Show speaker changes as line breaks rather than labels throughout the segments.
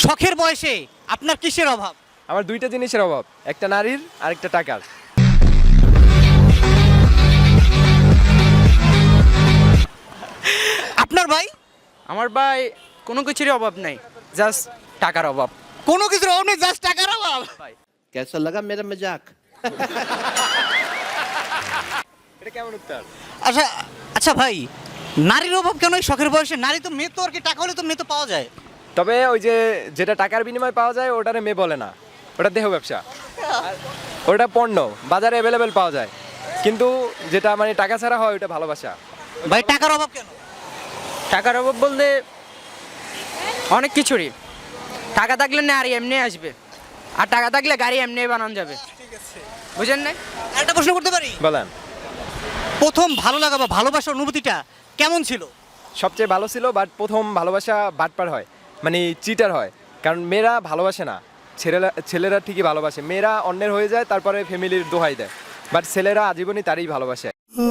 শখের বয়সে আপনার কিসের অভাব?
আমার দুইটা জিনিসের অভাব, একটা নারীর আর একটা টাকার।
আপনার ভাই?
আমার ভাই কোনো কিছুরই অভাব নাই, জাস্ট টাকার অভাব।
কোনো কিছুর অভাব নেই, জাস্ট টাকার অভাব।
कैसा लगा मेरा मजाक?
এটা কেমন উত্তর?
আচ্ছা আচ্ছা ভাই, নারীর অভাব কেন এই শখের বয়সে? নারী তো মেয়ে, তো আর কি টাকা হলে তো মেয়ে তো পাওয়া যায়।
তবে ওই যে যেটা টাকার বিনিময়ে পাওয়া যায় ওটারে মেয়ে বলে না, ওটা দেহ ব্যবসা, আর ওটা পণ্য, বাজারে অ্যাভেলেবেল পাওয়া যায়। কিন্তু যেটা মানে টাকা ছাড়া হয় ওটা ভালোবাসা।
ভাই টাকার অভাব কেন?
টাকার অভাব বলতে অনেক কিছুরই। টাকা থাকলে নারী এমনি আসবে, আর টাকা থাকলে গাড়ি এমনি বানানো যাবে। বুঝেন না?
একটা প্রশ্ন করতে পারি?
বলেন।
প্রথম ভালো লাগা বা ভালোবাসার অনুভূতিটা কেমন ছিল?
সবচেয়ে ভালো ছিল, বাট প্রথম ভালোবাসা বাটপার হয়, মানে চিটার হয়। কারণ মেয়েরা ভালোবাসে না, ছেলেরা ঠিকই ভালোবাসে। মেয়েরা অন্যের হয়ে যায়, তারপরে ফ্যামিলির দোহাই দেয়, বাট ছেলেরা আজীবনই তারই ভালোবাসে।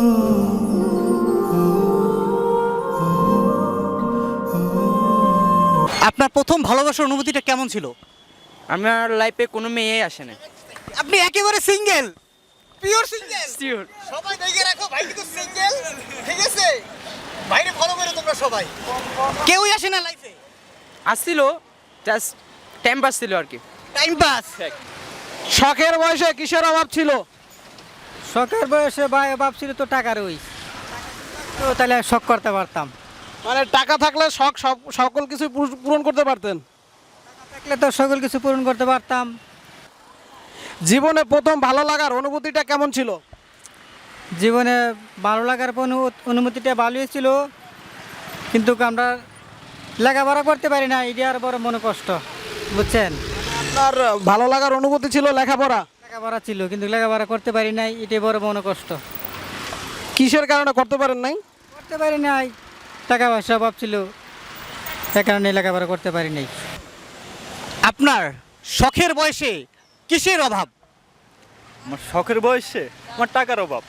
আপনার প্রথম ভালোবাসার অনুভূতিটা কেমন ছিল?
আমার লাইফে কোনো মেয়েই আসে না।
আপনি একেবারে সিঙ্গেল, পিওর সিঙ্গেল।
Sure.
সবাই দেখে রাখো, ভাই কিন্তু সিঙ্গেল, ঠিক আছে? বাইরে ফলো করে তোমরা সবাই। কেউই আসে না লাইফে,
আসছিল, জাস্ট টাইম পাস ছিল আর কি।
Time pass.
শখের বয়সে কিসের অভাব ছিল?
শখের বয়সে ভাই অভাব ছিল তো টাকার, ওই তো তাহলে শখ করতে পারতাম।
মানে টাকা থাকলে শখ সকল কিছু পূরণ করতে পারতেন।
থাকলে তো সকল কিছু পূরণ করতে পারতাম।
জীবনে প্রথম ভালো লাগার অনুভূতিটা কেমন ছিল?
জীবনে ভালো লাগার অনুমতিটা ভালোই ছিল, কিন্তু আমরা লেখাপড়া করতে পারি না, এটা আর বড় মনে কষ্ট, বুঝছেন?
আপনার ভালো লাগার অনুভূতি ছিল লেখাপড়া।
লেখাপড়া ছিল কিন্তু লেখাপড়া করতে পারি নাই, এটাই বড় মনে কষ্ট।
কিসের কারণে করতে পারেন নাই?
করতে পারি নাই, টাকা পয়সা অভাব ছিল, সে কারণে লেখাপড়া করতে পারি নাই।
আপনার শখের বয়সে কিসের অভাব?
আমার শখের বয়সে আমার টাকার অভাব।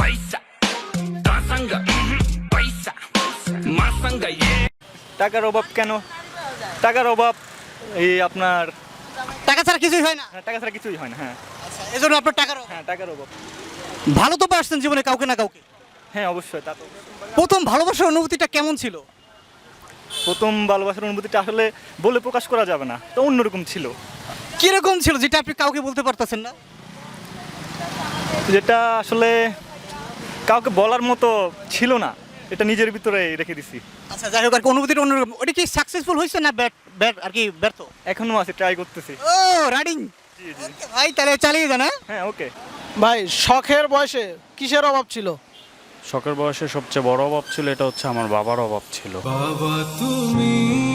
টাকার অভাব কেন? টাকার অভাব এই আপনার
টাকা ছাড়া কিছুই হয় না,
টাকা ছাড়া কিছুই হয় না। হ্যাঁ
এজন্য আপনার টাকার অভাব।
হ্যাঁ টাকার অভাব।
ভালো তো পারছেন জীবনে কাউকে না কাউকে।
হ্যাঁ অবশ্যই, তা তো।
প্রথম ভালোবাসার অনুভূতিটা কেমন ছিল?
প্রথম ভালোবাসার অনুভূতিটা আসলে বলে প্রকাশ করা যাবে না, তো অন্যরকম ছিল।
কিরকম ছিল যেটা আপনি কাউকে বলতে পারতেছেন না?
যেটা আসলে কাউকে বলার মতো ছিল না, এটা নিজের ভিতরে রেখে দিছি।
আচ্ছা যাই হোক, আর কি অনুভূতিটা অন্যরকম। ওটা কি সাকসেসফুল হয়েছে না ব্যাট আর কি ব্যর্থ?
এখনো আছে, ট্রাই করতেছি।
ও রানিং। ভাই তাহলে চালিয়ে যান। হ্যাঁ
হ্যাঁ ওকে।
ভাই শখের বয়সে কিসের অভাব ছিল?
শখের বয়সে সবচেয়ে বড় অভাব ছিল, এটা হচ্ছে আমার বাবার অভাব ছিল।
বাবা তুমি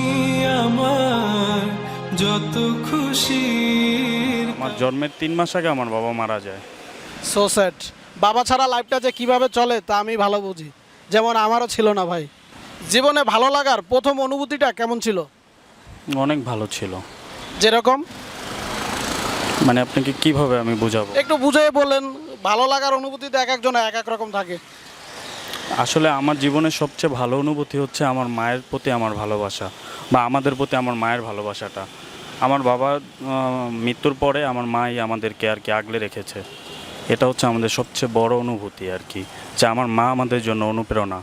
আমার যত খুশি।
আমার জন্মের 3 মাস আগে আমার বাবা মারা যায়।
So sad. বাবা ছাড়া লাইফটা যে কিভাবে চলে তা আমি ভালো বুঝি, যেমন আমারও ছিল না ভাই। জীবনে ভালো লাগার প্রথম অনুভূতিটা কেমন ছিল?
অনেক ভালো ছিল।
যেরকম
মানে আপনাকে কিভাবে আমি বুঝাবো?
একটু বুঝিয়ে বলেন। ভালো লাগার অনুভূতিতে এক একজন এক এক রকম থাকে।
আসলে আমার জীবনের সবচেয়ে ভালো অনুভূতি হচ্ছে আমার মায়ের প্রতি আমার ভালোবাসা, বা আমাদের প্রতি আমার মায়ের ভালোবাসাটা। আমার বাবার মৃত্যুর পরে আমার মাই আমাদেরকে আর কি আগলে রেখেছে। এটা হচ্ছে আমাদের সবচেয়ে বড় অনুভূতি আর কি, যে আমার মা আমাদের জন্য অনুপ্রেরণা।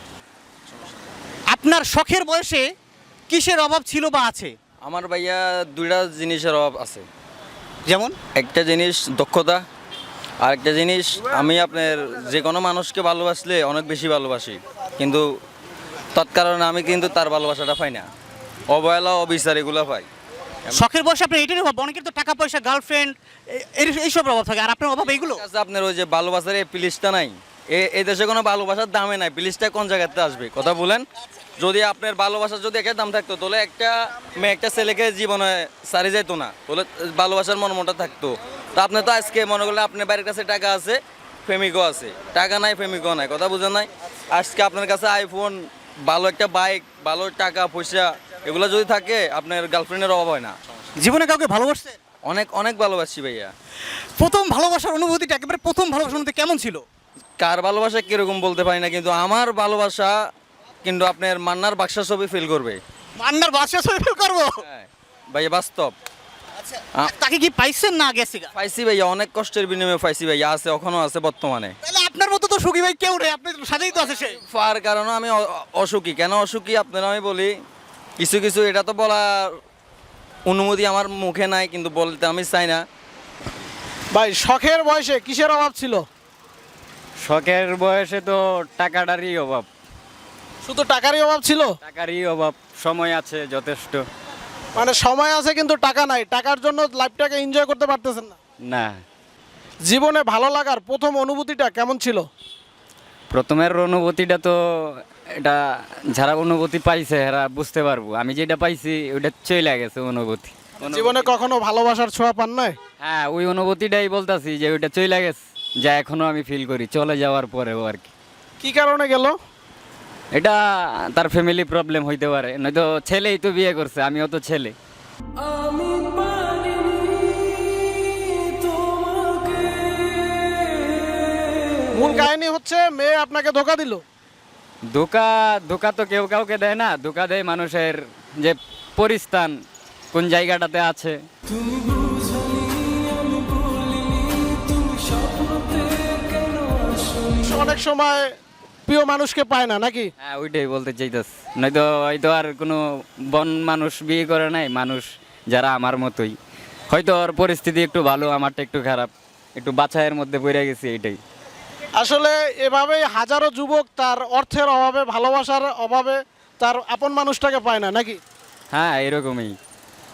আপনার শখের বয়সে কিসের অভাব ছিল বা আছে?
আমার ভাইয়া দুইটা জিনিসের অভাব আছে।
যেমন?
একটা জিনিস দক্ষতা, আর একটা জিনিস আমি আপনার যে কোনো মানুষকে ভালোবাসলে অনেক বেশি ভালোবাসি, কিন্তু তৎকারণে আমি কিন্তু তার ভালোবাসাটা পাই না, অবহেলা অবিচার এগুলো পাই।
শখের বয়সে আপনার এটার অভাব। অনেকের তো টাকা পয়সা, গার্লফ্রেন্ড, এইসব অভাব থাকে, আর আপনার অভাব এইগুলো।
কাছে আপনার ওই যে ভালোবাসার এই প্লিজটা নাই, এই দেশে কোনো ভালোবাসার দামে নাই। প্লিজটা কোন জায়গাতে আসবে কথা বলেন? যদি আপনার ভালোবাসার যদি একটা দাম থাকতো, তাহলে একটা মেয়ে একটা ছেলেকে জীবনে সারি যেত না, তাহলে ভালোবাসার মর্মটা থাকতো। তো আপনি তো আজকে মনে করলে আপনার বাড়ির কাছে টাকা আছে, প্রেমিকও আছে, টাকা নাই প্রেমিকও নাই, কথা বুঝেন নাই? আজকে আপনার কাছে আইফোন, ভালো একটা বাইক, ভালো টাকা পয়সা, এগুলো যদি থাকে, আপনার গার্লফ্রেন্ডের অভাব হয় না।
জীবনে কাউকে ভালোবাসছেন?
অনেক অনেক ভালোবাসি ভাইয়া।
প্রথম ভালোবাসার অনুভূতিটা, একেবারে প্রথম ভালোবাসার অনুভূতি কেমন ছিল?
কার ভালোবাসা কিরকম বলতে পারি না, কিন্তু আমার ভালোবাসা কিন্তু আপনার মান্নার বাক্সা ছবি ফিল করবে।
মান্নার বাসা ছবি ফিল করবো?
হ্যাঁ। ভাইয়া বাস্তব।
আচ্ছা
আ-
তাকে কি পাইছেন না গেছে গা?
পাইছি ভাইয়া, অনেক কষ্টের বিনিময়ে পাইছি ভাইয়া, আছে এখনো আছে বর্তমানে।
তাহলে আপনার মতো তো সুখী ভাই কেউ নেই, আপনার সাথেই তো আছে সে।
পাওয়ার কারণে আমি অসুখী। কেন অসুখী আপনারা আমি বলি, কিছু কিছু এটা তো বলার অনুমতি আমার মুখে নাই, কিন্তু বলতে আমি চাই না।
ভাই শখের বয়সে কিসের অভাব ছিল?
শখের বয়সে তো টাকাটারই অভাব,
শুধু টাকারই অভাব ছিল?
টাকারই অভাব, সময় আছে যথেষ্ট।
মানে সময় আছে কিন্তু টাকা নাই, টাকার জন্য লাইফটাকে এনজয় করতে পারতেছেন না।
না,
জীবনে ভালো লাগার প্রথম অনুভূতিটা কেমন ছিল?
প্রথমের অনুভূতিটা তো এটা যারা অনুভূতি পাইছে এরা বুঝতে পারবো, আমি যেটা পাইছি ওটা চলে গেছে অনুভূতি।
জীবনে কখনো ভালোবাসার ছোঁয়া পান নাই?
হ্যাঁ, ওই অনুভূতিটাই বলতাছি যে ওইটা চলে গেছে, যা এখনো আমি ফিল করি চলে যাওয়ার পরেও আর কি।
কি কারণে গেল?
এটা তার ফ্যামিলি প্রবলেম হইতে পারে, নয়তো ছেলেই তো বিয়ে করছে, আমিও তো ছেলে।
আমি পারিনি তোমাকে।
মূল কাহিনী হচ্ছে মেয়ে আপনাকে ধোকা দিল।
ধোকা ধোকা তো কেউ কাউকে দেয় না, ধোকা দেয় মানুষের যে পরিস্থান কোন জায়গাটাতে আছে।
তুমি বুঝনি আমি বলিনি, তুমি স্বপ্নতে কেন আসনি।
অনেক সময় প্রিয় মানুষকে পায় না নাকি?
হ্যাঁ, ওইটাই বলতে চাইতেছি, নয়তো হয়তো আর কোনো বন মানুষ বিয়ে করে নাই, মানুষ যারা আমার মতোই, হয়তো ওর পরিস্থিতি একটু ভালো, আমারটা একটু খারাপ, একটু বাছাইয়ের মধ্যে পড়ে গেছি এইটাই।
আসলে এভাবেই হাজারো যুবক তার অর্থের অভাবে, ভালোবাসার অভাবে তার আপন মানুষটাকে পায় না নাকি?
হ্যাঁ, এরকমই।